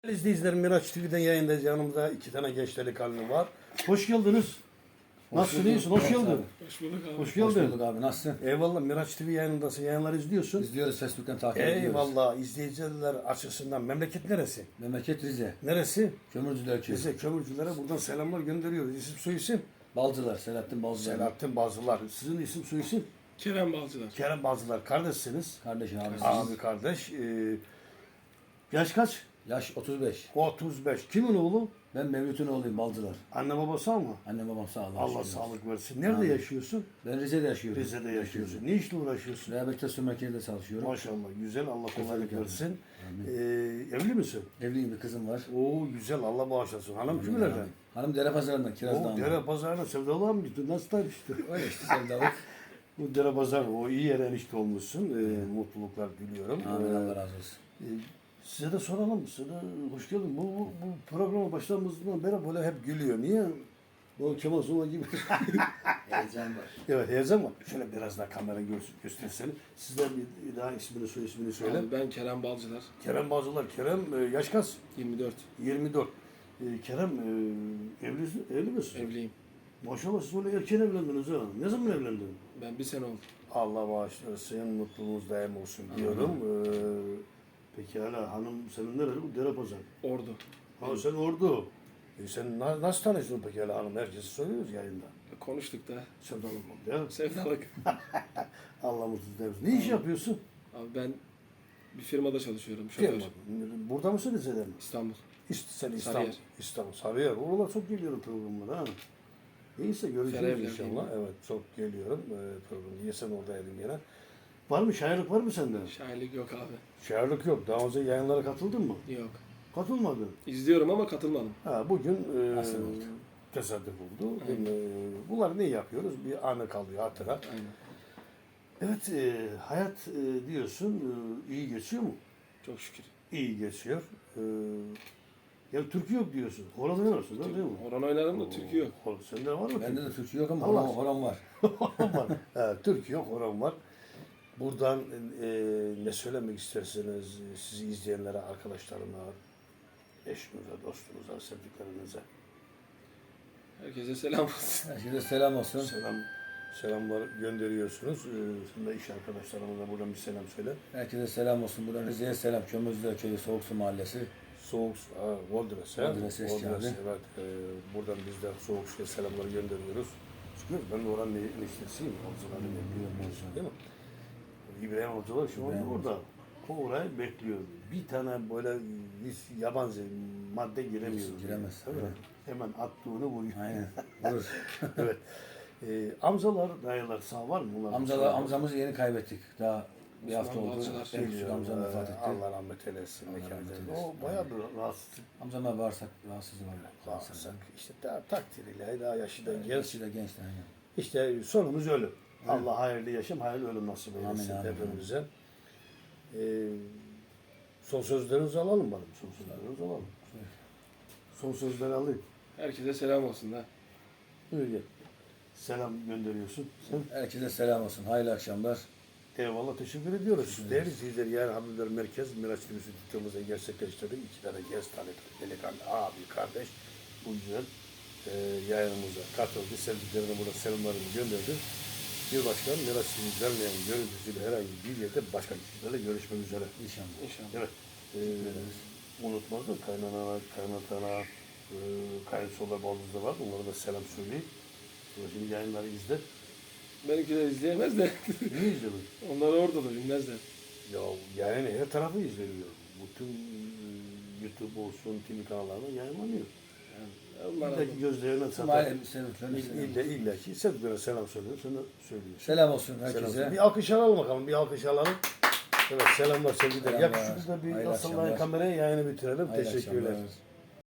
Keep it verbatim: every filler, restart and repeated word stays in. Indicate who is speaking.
Speaker 1: İzleyicilerim, Miraç T V'den yayındayız. Yanımda iki tane genç delikanlı var. Hoş geldiniz. Nasılsın, iyisin? Hoş geldin.
Speaker 2: Hoş bulduk abi.
Speaker 1: Hoş geldin.
Speaker 3: Hoş bulduk abi, nasılsın?
Speaker 1: Eyvallah, Miraç T V yayınındasın. Yayınları izliyorsun.
Speaker 3: İzliyoruz, Facebook'tan takip ediyoruz.
Speaker 1: Eyvallah, izleyiciler açısından. Memleket neresi?
Speaker 3: Memleket Rize.
Speaker 1: Neresi?
Speaker 3: Kömürcüler Köyü.
Speaker 1: Rize. Kömürcülere buradan selamlar gönderiyoruz. İsim soy isim?
Speaker 3: Balcılar, Selahattin Balcılar.
Speaker 1: Selahattin Bazılar. Sizin isim soy isim?
Speaker 2: Kerem Balcılar.
Speaker 1: Kerem Bazılar. Kardeşsiniz.
Speaker 3: Kardeş abi.
Speaker 1: Abi kardeş. Ee, yaş kaç?
Speaker 3: Yaş otuz beş.
Speaker 1: otuz beş. Kimin oğlu?
Speaker 3: Ben Mevlüt'ün oğluyum, Balcılar.
Speaker 1: Anne babası mı?
Speaker 3: Annem babam sağ olun.
Speaker 1: Allah
Speaker 3: şükür.
Speaker 1: sağlık versin. Nerede
Speaker 3: Amin.
Speaker 1: yaşıyorsun?
Speaker 3: Ben Rize'de yaşıyorum.
Speaker 1: Rize'de yaşıyorsun. Ne işle uğraşıyorsun?
Speaker 3: Rehabilitasyon merkezinde çalışıyorum.
Speaker 1: Maşallah güzel, Allah kolaylık
Speaker 3: Teşekkür
Speaker 1: versin.
Speaker 3: Amin.
Speaker 1: Ee, evli misin?
Speaker 3: Evliyim, bir kızım var.
Speaker 1: Oo güzel, Allah bağışlasın. Hanım
Speaker 3: Amin,
Speaker 1: kimlerden?
Speaker 3: amin. Hanım Derepazarı'ndan,
Speaker 1: O
Speaker 3: Kiraz'dan.
Speaker 1: dere pazarına sevdalığa mı gittin? Nasıl tanıştın?
Speaker 3: Öyle işte sevdalık.
Speaker 1: Bu dere pazarı, o iyi yere enişte olmuşsun. Ee, mutluluklar diliyorum.
Speaker 3: Amin,
Speaker 1: Ee,
Speaker 3: Allah razı olsun.
Speaker 1: e, size de soralım, size de hoş geldin. Bu, bu, bu programa başladığımızdan beri böyle hep gülüyor. Niye? Bu Kemal Sunal gibi.
Speaker 3: Heyecan var.
Speaker 1: Evet, heyecan var. Şöyle biraz daha kamera göster, göstersene. Sizden bir daha ismini, soy ismini söyle.
Speaker 2: Abi ben Kerem Balcılar.
Speaker 1: Kerem Bazılar. Kerem e, yaş kaç?
Speaker 2: yirmi dört.
Speaker 1: yirmi dört. Ee, Kerem e, evli, evli misin?
Speaker 2: Evliyim.
Speaker 1: Maşallah siz öyle erken evlendiniz ha. Ne zaman evlendin?
Speaker 2: Ben bir sene oldu.
Speaker 1: Allah bağışlasın, mutluluğunuz daim olsun diyorum. Ee, peki hala hanım senin nerede? Bu Derepazarı.
Speaker 2: Ordu.
Speaker 1: Ha sen Ordu. E, sen na- nasıl tanıştın peki hala hanım? Herkesi soruyoruz yayında.
Speaker 2: Konuştuk da.
Speaker 1: Sevdalık oldu ya.
Speaker 2: Sevdalık.
Speaker 1: Allah mutluluk versin. Ne iş yapıyorsun?
Speaker 2: Abi ben bir firmada çalışıyorum. Şoför.
Speaker 1: Firma. Burada mısın Rize'de mi?
Speaker 2: İstanbul.
Speaker 1: İst, sen İstanbul.
Speaker 2: Sarıyer.
Speaker 1: İstanbul. Sarıyer. Oralar çok geliyorum programlara ha. Neyse göreceğiz
Speaker 2: Sarıyer'de
Speaker 1: inşallah.
Speaker 2: değil mi?
Speaker 1: Evet çok geliyorum e, programda. Niye sen oradaydın gene? Var mı? Şairlik var mı sende?
Speaker 2: Şairlik yok abi.
Speaker 1: Şairlik yok. Daha önce yayınlara katıldın mı?
Speaker 2: Yok.
Speaker 1: Katılmadın.
Speaker 2: İzliyorum ama katılmadım.
Speaker 1: Ha, bugün e,
Speaker 3: Nasıl oldu?
Speaker 1: tesadüf oldu.
Speaker 2: Aynen.
Speaker 1: E, bunları ne yapıyoruz? Bir anı kalıyor hatıra.
Speaker 2: Aynen.
Speaker 1: Evet e, hayat e, diyorsun e, iyi geçiyor mu?
Speaker 2: Çok şükür.
Speaker 1: İyi geçiyor. E, ya Türkiye yok diyorsun. Horon oynarsın değil mi?
Speaker 2: Horon oynarım da Türkü yok.
Speaker 1: Horon. Sende var mı?
Speaker 3: Bende de Türkçe yok ama
Speaker 1: Allah
Speaker 3: horon, horon var.
Speaker 1: Horon var. Evet, Türkiye yok, horon var. Buradan e, ne söylemek isterseniz e, sizi izleyenlere, arkadaşlarına, eşinize, dostunuza, sevdiklerinize
Speaker 2: Herkese selam olsun.
Speaker 3: Herkese selam olsun.
Speaker 1: selam selamlar gönderiyorsunuz. Ee, Sen de iş arkadaşlarımıza buradan bir selam söyle.
Speaker 3: Herkese selam olsun. Buradan Rize'ye selam. Kömürcüler Köyü, Soğuksu Mahallesi.
Speaker 1: Soğuk ha, Voldres, ha?
Speaker 3: Voldres eski
Speaker 1: Voldres,
Speaker 3: abi.
Speaker 1: evet. Ee, buradan biz de soğuk suya selamlar gönderiyoruz. Çünkü ben de oranın eniştesiyim. Avcıların
Speaker 3: Biliyorum,
Speaker 1: biliyorum.
Speaker 3: biliyorum.
Speaker 1: Değil mi? İbrahim Avcılar şu anda
Speaker 3: İbrahim
Speaker 1: orada. O orayı bekliyor. Bir tane böyle hiç yabancı madde giremiyor.
Speaker 3: Giremez,
Speaker 1: Değil mi?
Speaker 3: evet.
Speaker 1: Hemen attığını vuruyor.
Speaker 3: Aynen. Vurur.
Speaker 1: Evet. Ee, amcalar, dayılar sağ var mı? Bunlar
Speaker 3: Amcalar,
Speaker 1: sağ var.
Speaker 3: amcamızı yeni kaybettik. Daha bir hafta
Speaker 2: Osman
Speaker 3: oldu.
Speaker 2: Balcılar.
Speaker 3: En küçük
Speaker 1: Biliyorum,
Speaker 3: amcam
Speaker 1: ee,
Speaker 3: vefat etti.
Speaker 1: Allah rahmet eylesin.
Speaker 3: Allah
Speaker 1: mekanı
Speaker 3: rahmet
Speaker 1: cennet.
Speaker 3: eylesin.
Speaker 1: O bayağı bir rahatsızlık.
Speaker 3: Amcama bağırsak rahatsızlığı var.
Speaker 1: Bağırsak. İşte daha takdiriyle, daha yaşı da genç.
Speaker 3: Genç de genç de aynen.
Speaker 1: İşte sonumuz ölüm. Allah hayırlı yaşam, hayırlı ölüm nasip
Speaker 3: Amin,
Speaker 1: eylesin
Speaker 3: amin,
Speaker 1: hepimize. Ee, son sözlerinizi alalım bana. Son sözlerinizi alalım. Son sözleri alayım.
Speaker 2: Herkese selam olsun da.
Speaker 1: Öyle. Selam gönderiyorsun. Sen?
Speaker 3: Herkese selam olsun. Hayırlı akşamlar.
Speaker 1: Eyvallah, teşekkür ediyoruz. Değerli izleyiciler, yarın Habibler Merkez Miraç T V'si tuttuğumuzda gerçekleştirdik. İki tane genç tanıdık, delikanlı, abi, kardeş. Bu güzel e, yayınımıza katıldı. Sevdiklerine burada selamlarını gönderdi. Bir başkan Miraç T V vermeyen görüntüsüyle herhangi bir yerde başka kişilerle görüşmek üzere.
Speaker 3: İnşallah.
Speaker 2: İnşallah.
Speaker 1: Evet. E, unutmazdım. Kaynana, kaynatana, e, kayınsolar baldızda var. Onlara da selam söyleyeyim. Şimdi yayınları izle.
Speaker 2: Benimkiler izleyemez de.
Speaker 1: Niye izledin?
Speaker 2: Onlar orada da bilmezler.
Speaker 1: Ya yani her tarafı izleniyor. Bütün e, YouTube olsun, T V kanallarında yayınlanıyor.
Speaker 2: Yani onlar
Speaker 1: İlla ki gözlerine
Speaker 3: Tüm
Speaker 1: satan.
Speaker 3: aile sevdiklerine
Speaker 1: İlla,
Speaker 3: selam.
Speaker 1: illa, illa ki sevdiklerine selam söylüyor. Sana söylüyor.
Speaker 3: Selam olsun
Speaker 1: Selam.
Speaker 3: herkese.
Speaker 1: Bir alkış alalım bakalım. Bir alkış alalım. Evet, selamlar sevgiler.
Speaker 3: Selamlar.
Speaker 1: Yakışıklı da bir
Speaker 3: Hayırlı
Speaker 1: asıllayın
Speaker 3: akşamlar.
Speaker 1: kameraya, yayını bitirelim.
Speaker 3: Hayırlı
Speaker 1: Teşekkürler.
Speaker 3: akşamlar.